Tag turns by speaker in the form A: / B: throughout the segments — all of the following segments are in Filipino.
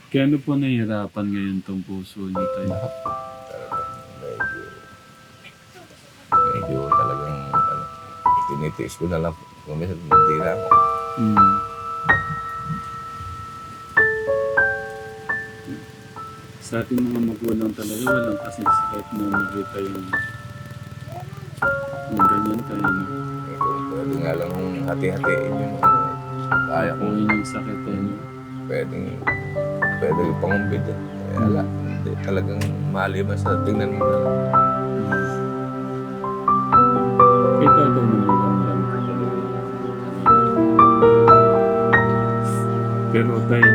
A: Kaya ano po nahihirapan ngayon tong puso niyo tayo?
B: Lahat. Talagang medyo talagang tinitiis ko na lang. Kung minsan hindi na ako.
A: Hmm. Sa ating mga magulang talaga, walang kasing sakit na makita yung ganyan tayo. No?
B: Kung pwede nga lang hati-hatiin yung kaya ko.
A: Kung yun yung sakit eh. No?
B: Pwede yung pangumbid. Wala. Hindi talagang maliban sa tingnan mo na lang.
A: Kita ito mo lang talaga. Pero tayo,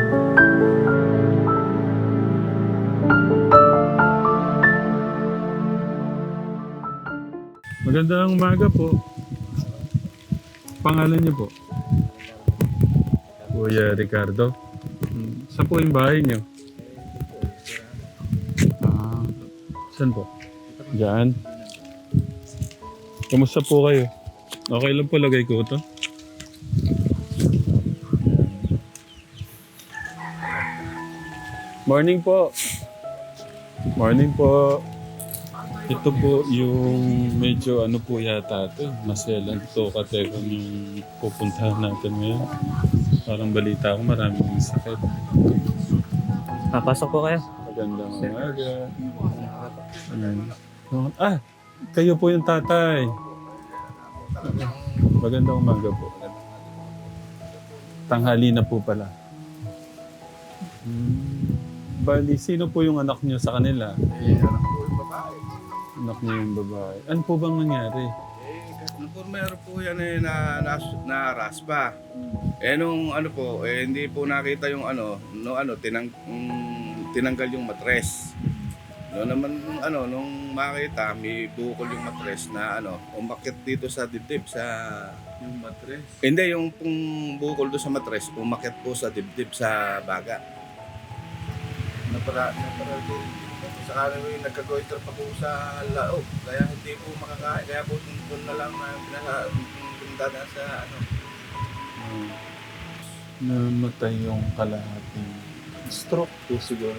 A: magandang umaga po. Pangalan niyo po? Kuya Ricardo. Saan po yung bahay niyo? Saan po? Diyan. Kamusta po kayo? Okay lang po, lagay ko ito. Morning po. Morning po. Ito po yung medyo ano po yata ito. Maselan to katekam yung pupuntahan natin ngayon. Parang balita ko maraming sakit.
C: Papasok po kayo.
A: Magandang umaga. Ayan. Ah! Kayo po yung tatay. Magandang umaga po. Tanghali na po pala. Bali, sino po yung anak niyo sa kanila?
B: Anak ko yung babae.
A: Anak niyo yung babae. Ano po bang nangyari?
B: Meron po yan na raspa. Nung ano po, hindi po nakita yung tinanggal yung matres. Nung makita, may bukol yung matres na umakyat dito sa dibdib sa...
A: Yung matres.
B: Hindi, yung pong bukol doon sa matres, umakyat po sa dibdib sa baga. Napara din. Saka yung nagkagoiter pa po sa laog. Kaya hindi po makakain. Kaya po doon na lang pinunta na sa
A: Namatay yung kalahating. Stroke po siguro.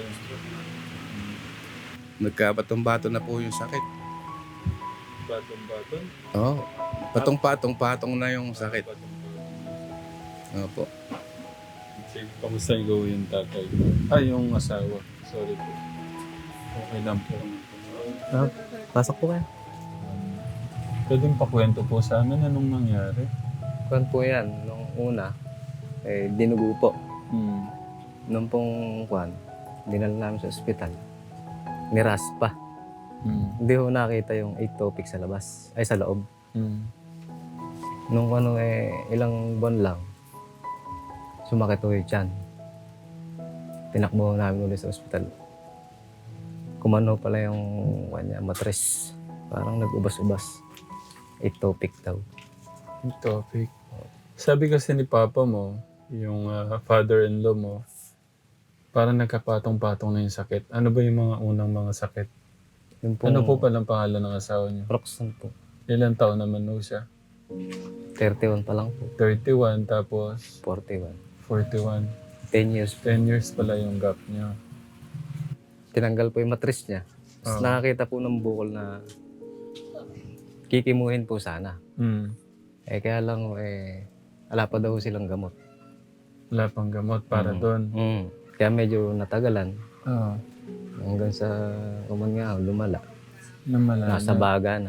B: Nagkabatong-bato na po yung sakit.
A: Baton-baton?
B: Oo. Patong-patong na yung sakit. Opo.
A: Sige, kamusta yung tatay? Yung asawa. Sorry po. Okay lang po.
C: Pasok po kayo.
A: Pwedeng pakwento po sa amin anong nangyari?
C: Kuwan po yan. Nung una, dinugo po. Nung pong kuwan, dinala namin sa ospital. Niraspa. Hindi ho nakita yung ectopic sa labas. Ay, sa loob. Nung ilang buwan lang, sumakit ho yung tiyan. Tinakbo namin ulit sa ospital. Kumano pala yung kanya, matres. Parang nag-ubas-ubas. Ectopic daw.
A: Yung topic. Sabi kasi ni Papa mo, yung father-in-law mo, parang nagkapatong-patong na yung sakit. Ano ba yung mga unang mga sakit?
C: Yung pong
A: Ano po palang pangalan ng asawa niyo?
C: Roxanne po.
A: Ilang taon naman no siya?
C: 31 pa lang po.
A: 31 tapos
C: 41.
A: 41.
C: 10 years po.
A: 10 years pala yung gap niya.
C: Tinanggal po yung matris niya. Tapos nakakita po ng bukol na kikimuhin po sana. Kaya lang wala pa daw silang gamot.
A: Wala pang gamot para doon.
C: Kaya medyo natagalan.
A: Oo.
C: Hanggang sa lumala.
A: Namala
C: Nasa
A: na.
C: baga na.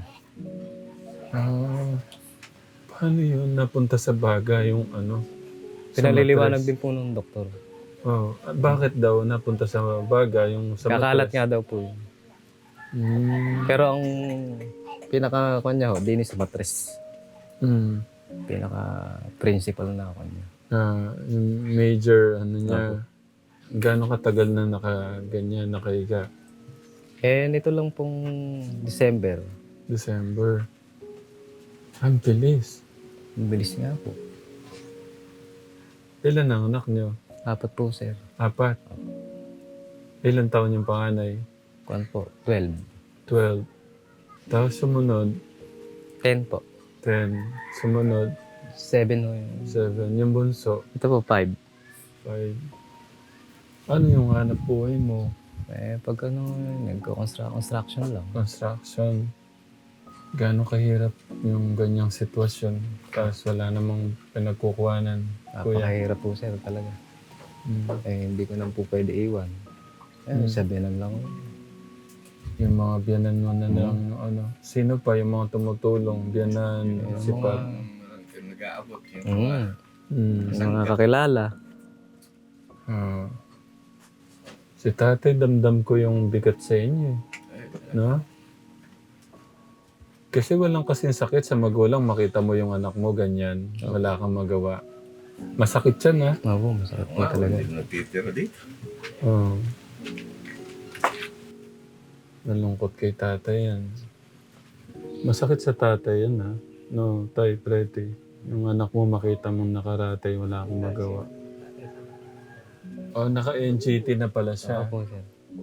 A: Paano yun? Napunta sa baga yung sa
C: Pinaliliwanag
A: matres?
C: din po ng doktor.
A: Bakit daw napunta sa baga yung sa
C: Kakalat
A: matres?
C: nga daw po yun. Pero ang pinaka-kanya ho, dinis sa matres. Pinaka-principal na kanya.
A: Yung major niya, gaano katagal na nakaganyan, nakahiga?
C: Nito lang pong December.
A: Ang bilis.
C: Ang bilis nga po.
A: Ilan ang anak niyo?
C: 4 po, sir.
A: 4. Ilan taon yung panganay?
C: Kuwan po, 12.
A: 12. Tapos sumunod,
C: 10 po.
A: 10. Sumunod,
C: 7 ho yun.
A: 7. Yung bunso,
C: Ito po, 5.
A: 5. Ano yung hanap buhay mo?
C: Eh, pag nagko-construction lang.
A: Construction. Gaano kahirap yung ganyang sitwasyon? Tapos wala namang pinagkukuhanan. Kuya.
C: Napakahirap po sir talaga.
A: Mm.
C: Eh, hindi ko na po pwede iwan. Eh, sabihan lang.
A: Yung mga biyanan mo na lang, ano. Sino pa yung mga tumutulong? Biyanan, sipat.
B: Nag-aabot yung
C: Mga kakilala.
A: Ah. Si tatay, damdam ko yung bigat sa inyo. No? Kasi walang kasing sakit sa magulang. Makita mo yung anak mo ganyan. Wala kang magawa. Masakit yan, ha?
C: Oo, masakit po talaga.
B: Hindi natitira dito.
A: Oo. Nalungkot kay tatay yan. Masakit sa tatay yan, ha? No, tay, prete. Yung anak mo makita mong nakaratay, wala akong magawa. Oh, naka-NGT na pala siya.
C: Opo sir.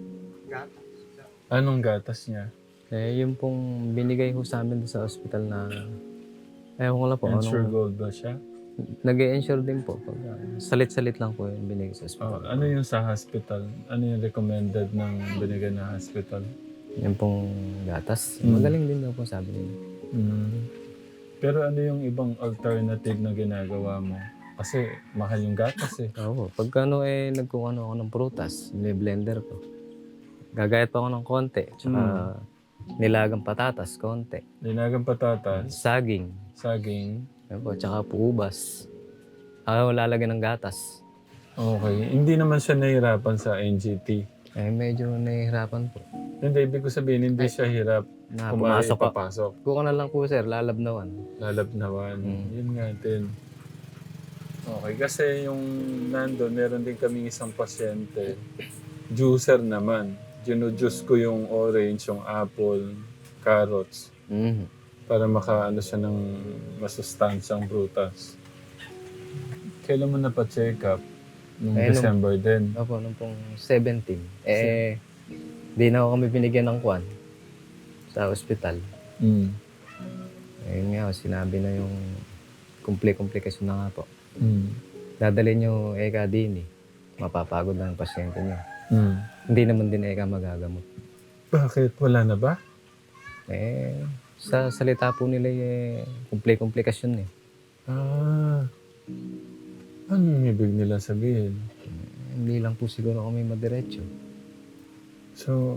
A: Anong gatas niya?
C: Eh, yung pong binigay ko sa amin sa ospital na... Ewan ko lang po.
A: Ensure Gold ba siya?
C: Nag-i-ensure din po. Pag, salit-salit lang po yung binigay sa
A: Oh,
C: ospital.
A: ano yung sa hospital? Ano yung recommended ng binigay na hospital?
C: Yung pong gatas. Magaling din daw po sabi nila.
A: Mm. Pero ano yung ibang alternative na ginagawa mo? Kasi mahal yung gatas eh.
C: Oo. Pag nagkukuha ako ng prutas, blender ko. Gagayat pa ako ng konti. Tsaka nilagang patatas, konti.
A: Dinagang patatas,
C: Saging.
A: saging.
C: Ayun po, tsaka po ubas. Lalagyan ng gatas.
A: Okay. Hindi naman siya nahirapan sa NGT.
C: Eh, medyo nahihirapan po.
A: Hindi, ibig ko sabihin, hindi siya hirap
C: Na
A: kumain,
C: pumasok ka.
A: papasok.
C: Kuha na lang po sir, lalabnawan.
A: Lalabnawan. Yun nga din. Okay, kasi yung nandun, meron din kaming isang pasyente. Juicer naman. Ginujuice ko yung orange, yung apple, carrots. Para makaano siya ng masustansyang prutas. Kailan mo napa-check up? Nung December din.
C: Opo, nung pong 17. Eh, di na ako kami binigyan ng kwan sa ospital.
A: Mm.
C: Ayun nga, sinabi na yung komplikasyon na nga po.
A: Mm.
C: Dadalhin nyo eka din eh. Mapapagod lang ang pasyente nyo.
A: Mm.
C: Hindi naman din eka magagamot.
A: Bakit? Wala na ba?
C: Eh, sa salita po nila komplikasyon eh.
A: Ah. Anong ibig nila sabihin?
C: Hindi lang po siguro kami madiretso.
A: So,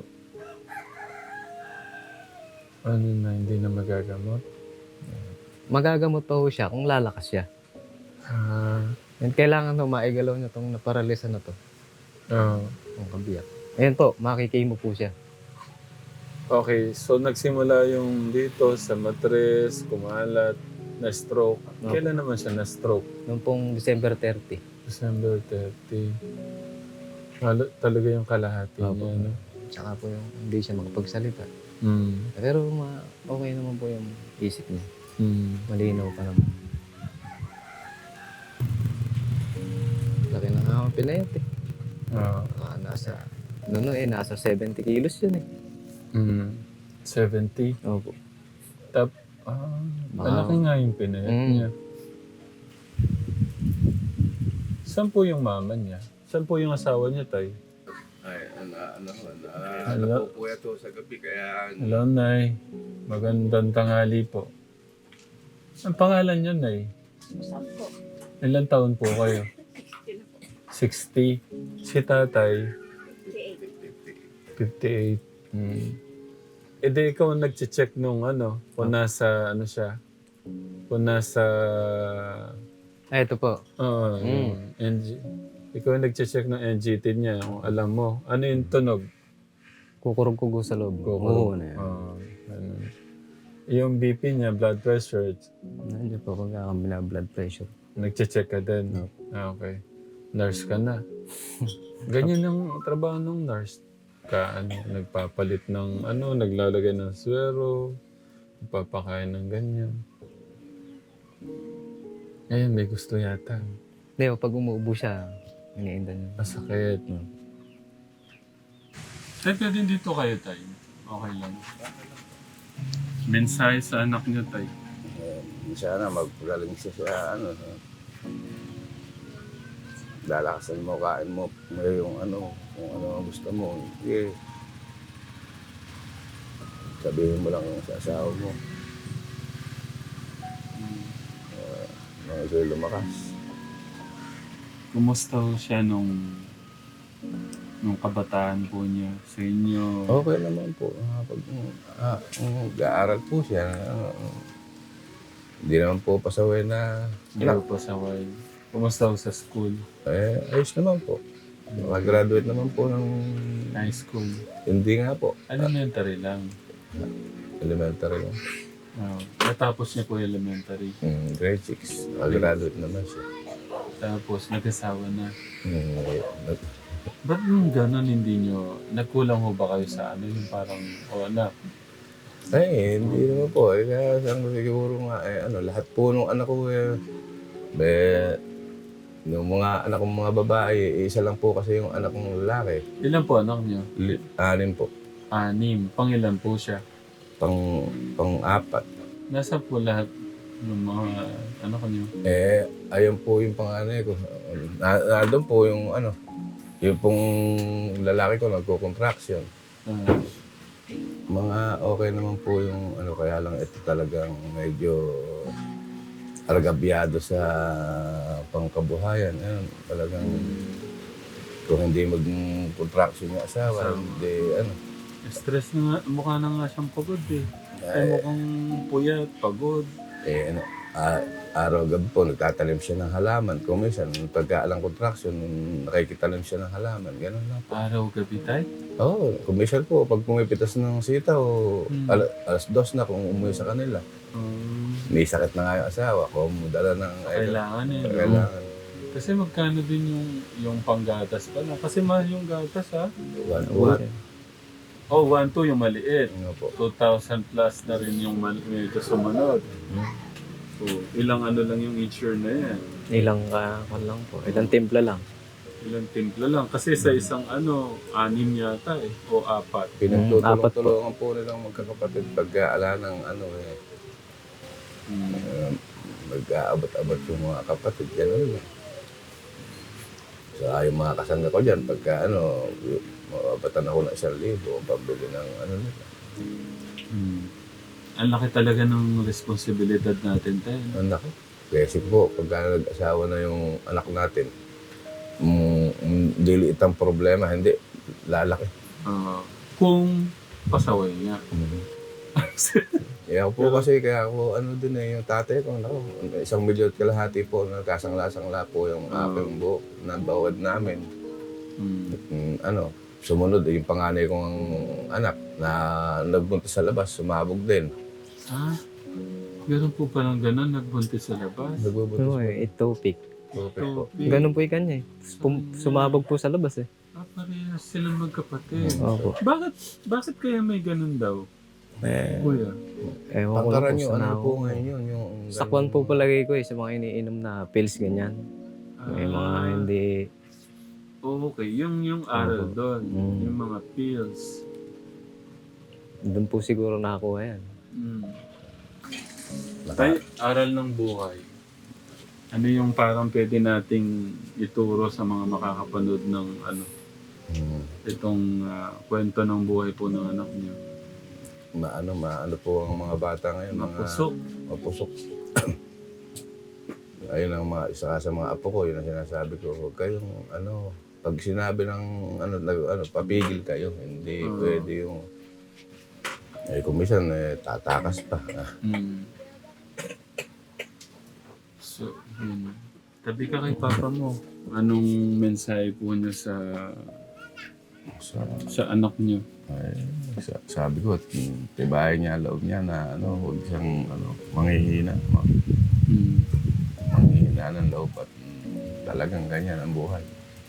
A: ano na, hindi na magagamot?
C: Magagamot pa ho siya kung lalakas siya.
A: Ah.
C: And kailangan to maigalaw niya itong naparalisa na to.
A: Oh.
C: Ang kabiyak. Ayan po, makikimo po siya.
A: Okay, so nagsimula yung dito sa matres, kumalat, na-stroke. Kailan naman siya na-stroke?
C: Noong pong December 30.
A: December 30. Talaga yung kalahati niya, no?
C: Tsaka po yung hindi siya makapagsalita.
A: Mm.
C: Pero okay naman po yung isip niya.
A: Mm.
C: Malinaw pa naman. Laki na nga ang pinayat eh. Nasa 70 kilos yun eh.
A: 70.
C: Opo.
A: Malaki nga yung pinayat niya. Saan po yung mama niya? Saan po yung asawa niya, tay?
B: Ay,
A: Hello?
B: po ito sa gabi, kaya
A: Hello, Nay. Magandang tanghali po. Ang pangalan niyo, Nay?
D: Sampo.
A: Ilang taon po kayo? 60. Si tatay? 58. E di ikaw ang nag-check nung kung nasa siya? Kung nasa...
C: Ito po.
A: yung ikaw ang nag-check ng NGT niya, kung alam mo. Ano yung tunog?
C: Kukurog-kugo sa loob. Oo na yan.
A: Ganun. Yung BP niya, blood pressure,
C: Nandiyan po pagkakamila blood pressure.
A: nag-check ka din. Okay. Nurse ka na. Ganyan ang trabaho ng nurse. Nagpapalit ng naglalagay ng swero, nagpapakain ng ganyan. Ngayon, may gusto yata.
C: Hindi, pag umuubo siya, iniinda niya.
A: Masakit. Tay, pwede dito kayo, tay. Okay lang. Mensahe sa anak niyo, tay.
B: sana magpagaling siya sa lalakasan mo, kain mo, may yung ano, kung ano ang gusto mo. Sige, sabihin mo lang sa asawa mo, nang ito'y lumakas.
A: Kumusta ho siya nung kabataan po niya sa inyo?
B: Okay naman po. Pag mag-aaral po siya, hindi naman po pasaway na
A: Hindi ho pa saway. Kumusta ho sa school?
B: ayos naman po. Mag-graduate naman po ng
A: High school?
B: hindi nga po.
A: Elementary lang.
B: Elementary lang.
A: Oh. Natapos niya po elementary.
B: Grade 6. Mag-graduate naman siya.
A: Tapos nag-asawa na.
B: Nag-
A: Ba't yung gano'n hindi nyo, nagkulang ho ba kayo sa ano yung parang, anak?
B: Ay, hindi naman po. Kaya saan ko siguro nga, lahat po nung anak ko, yung mga anak kong mga babae, isa lang po kasi yung anak kong lalaki.
A: Ilan po anak nyo?
B: 6 po.
A: 6. Pangilan po siya?
B: Pang-4.
A: Nasa po lahat ng mga anak nyo?
B: Ayun po yung panganay ko. Nandun po yung yung pong lalaki ko nagko-contraction. Mga okay naman po yung kaya lang ito talagang medyo argabyado sa pangkabuhayan. Ayun, talagang kung hindi mag-contraction yung asawa, hindi
A: Stress na nga, mukha na nga siyang pagod eh. Ay mukhang puyat, pagod.
B: Araw-gabi po, nagtatanim siya ng halaman. Kung minsan, pagkaalang contraction, nakikitanim siya ng halaman. Ganun lang po.
A: Araw-gabi tayo?
B: Oo, kung minsan po, pag pumipitas ng sitaw, alas 2 na kung umuwi sa kanila. May sakit na nga yung asawa, kung dala ng...
A: Kailangan eh. No?
B: Kailangan.
A: Kasi magkano din yung panggatas pala? Kasi mahal yung gatas ha?
B: 1-1.
A: Oh, 1-2 yung maliit.
B: Ano po?
A: 2,000 plus na rin yung medyo sumunod. So, ilang lang yung insure na yan.
C: Ilang lang po. Ilang timpla lang.
A: Ilang timpla lang. Kasi sa isang 6 yata eh. O 4.
B: Pinagtutulong-tulungan po nilang magkakapatid pagkaala ng mag-aabot-abot yung mga kapatid. Ganun lang. So, yung mga kasangga ko dyan, pagka mababatan ako ng 1,000, pabili ng nila.
A: Ang laki talaga ng responsibilidad natin tayo.
B: Ang laki. Kasi po, pagka nag-asawa na yung anak natin, diliit ang problema, hindi, lalaki.
A: Kung pasaway nga.
B: Kaya po kasi, din yung tatay ko, 1 milyon kalahati po, nagkasangla-sangla po yung aking buhok na bawad namin. Sumunod yung panganay kong anak na nagbuntis sa labas, sumabog din.
A: Ganun po palang ganun, nagbuntis sa labas.
B: Nagbubuntis
C: Oo
B: po.
C: ectopic.
B: Po.
C: Ganun po yung kanya eh. Sumabog po sa labas eh.
A: Parehas silang magkapatid.
C: Opo.
A: Bakit kaya may ganun daw? Kuya.
C: Ewan ko lang
B: Pangkaran
C: po
B: yung
C: sa
B: ano po
C: nako.
B: ngayon yun. Yung,
C: Sakwan po palagay ko eh sa mga iniinom na pills ganyan. May mga hindi...
A: Okay, yung aral doon, yung mga pills.
C: Doon po siguro nakakuha yan.
A: Tay, aral ng buhay. Ano yung parang pwede nating ituro sa mga makakapanood ng itong kwento ng buhay po ng anak niyo?
B: Maano po ang mga bata ngayon.
A: Mapusok.
B: Mapusok. Ayun ang isa sa mga apo ko, yun ang sinasabi ko, huwag kayong pag sinabi ng papigil kayo, hindi pwede yung kung minsan tatakas pa. So, tabi ka kay papa mo. Anong mensahe po niya sa anak niyo? Sabi ko, tibayan niya loob niya na huwag siyang manghihina. Manghihina ng loob at talagang ganyan ang buhay.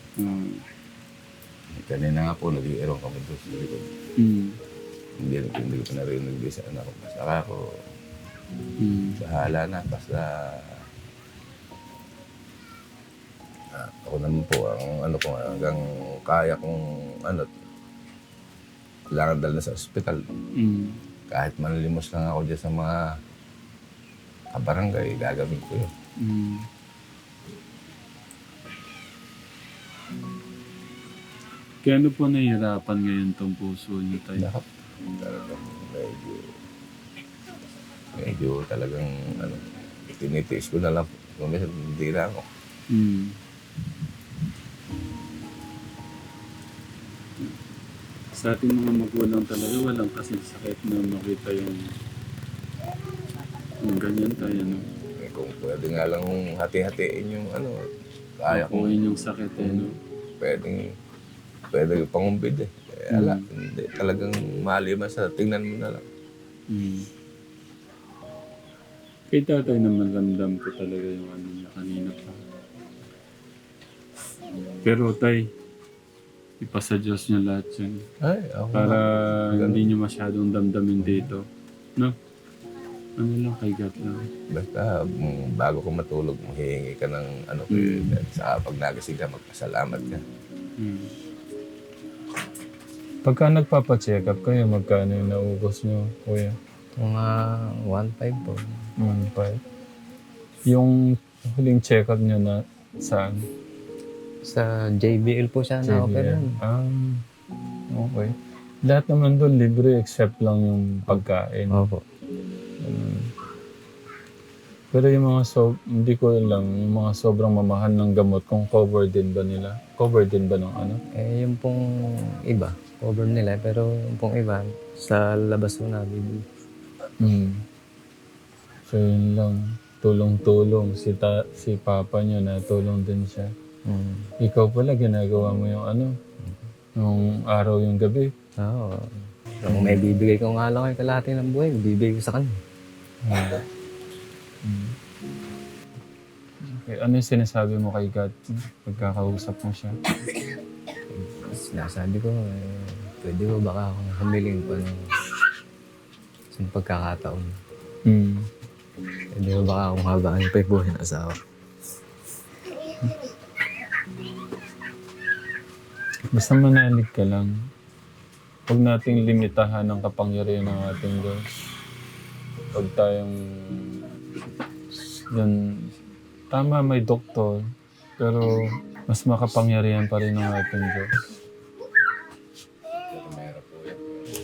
B: Kanina nga po, nag-iirong kami doon sa likod. Hindi ko pa narinig sa anak ko. Saka ako, bahala na. Basta, ako naman po, ang hanggang kaya kong kailangan dala sa ospital. Kahit manlimos lang ako dyan sa mga kabarangay, gagawin ko yun.
A: Kaya ano po nahihirapan ngayon tong puso niyo tayo?
B: Lahat. Talagang medyo talagang ano, tinitiis ko na lang. Kung minsan hindi na ako.
A: Hmm. Sa ating mga magulang talaga, walang kasing sakit na makita yung ganyan tayo, no?
B: Eh, kung pwede nga lang hati-hatiin yung ano, kaya ko.
A: Kukuhin yung sakit, eh, no?
B: Pwede pangumbid eh. Ala, hindi. Talagang malimas sa tingnan mo na lang.
A: Hmm. Kay tatay naman ramdam ko talaga yung ano niya kanina pa. Pero tay, ipasa Diyos niyo lahat yan.
B: Ay, ako
A: Para hindi niyo masyadong damdamin dito. No? Ano lang, kay God lang.
B: Basta bago ka matulog, hihingi ka ng ano, sa pag nagising ka, magpasalamat ka.
A: Hmm.
D: Pagka nagpapacheck up kayo, magkano yung naubos nyo, kuya?
C: Mga 1.5 po.
D: 1.5. Yung huling check up nyo na saan?
C: Sa JBL po siya na-opera.
D: Okay. Lahat naman doon libre except lang yung pagkain.
C: Opo.
D: Pero yung mga hindi ko lang, yung mga sobrang mamahal ng gamot, kung cover din ba nila? Cover din ba ng ano?
C: Eh, yung pong iba, cover nila. Pero yung pong iba, sa labas po na, bibili.
D: So yun lang, tulong-tulong. Si papa nyo na tulong din siya. Ikaw pala, ginagawa mo yung ano, yung araw yung gabi.
C: Oo. Kung may bibigay ko nga lang kay kalahati ng buhay, bibigay ko sa kanya.
D: Okay, ano yung sinasabi mo kay God pagkakausap mo siya?
C: Sinasabi ko, pwede ba baka akong humiling pa ng isang pagkakataon. Pwede ba baka akong habaan pa yung buhay ng asawa.
D: Basta manalig ka lang. Huwag nating limitahan ang kapangyarihan ng ating Diyos. Huwag tayong... Yan, tama may doktor, pero mas makapangyarihan pa rin ang ating Diyos.
B: Meron po yan.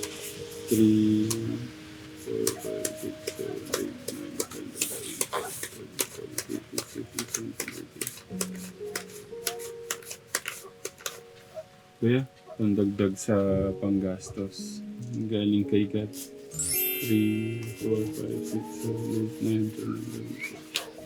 A: 3, 4, 5, 6, 7, 8, 9, 10, 11, 12, 13, 14, 15, 16, 17, 18, 19, 20. Kuya, pandagdag sa panggastos. Galing kay God. 3, 4, 5, 6, 7, 8, 9, 10, 11.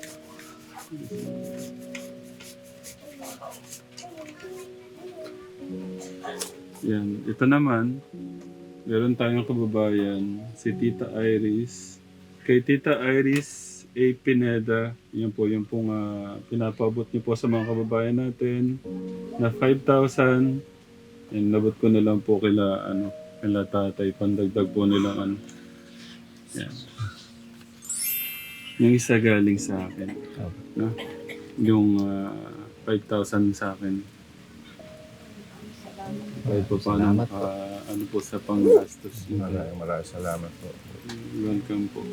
A: Yan. Ito naman, meron tayong kababayan, si Tita Iris. Kay Tita Iris A. Pineda, yan po yung pong pinapabot niyo po sa mga kababayan natin na 5,000. Yan, labot ko na lang po kila tatay, pandagdag po nila Yan. Yung isa galing sa akin. No? Yung 5,000 sa akin. Kahit pa paano
C: Salamat po.
A: ano po sa panggastos niyo.
B: Maraming salamat po.
A: Welcome po.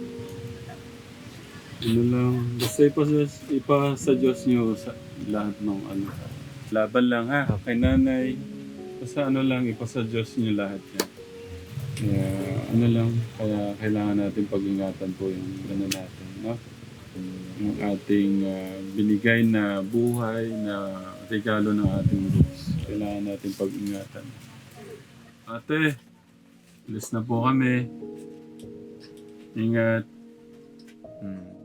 A: Ano lang, basta ipasa Diyos niyo sa lahat ng laban lang ha, kay nanay. Basta lang, ipasa Diyos niyo lahat yan. Kaya kaya kailangan natin pag-ingatan po yung natin, no? Yung ating binigay na buhay, na regalo ng ating Diyos. Kailangan natin pag-ingatan. Ate, alis na po kami. Ingat.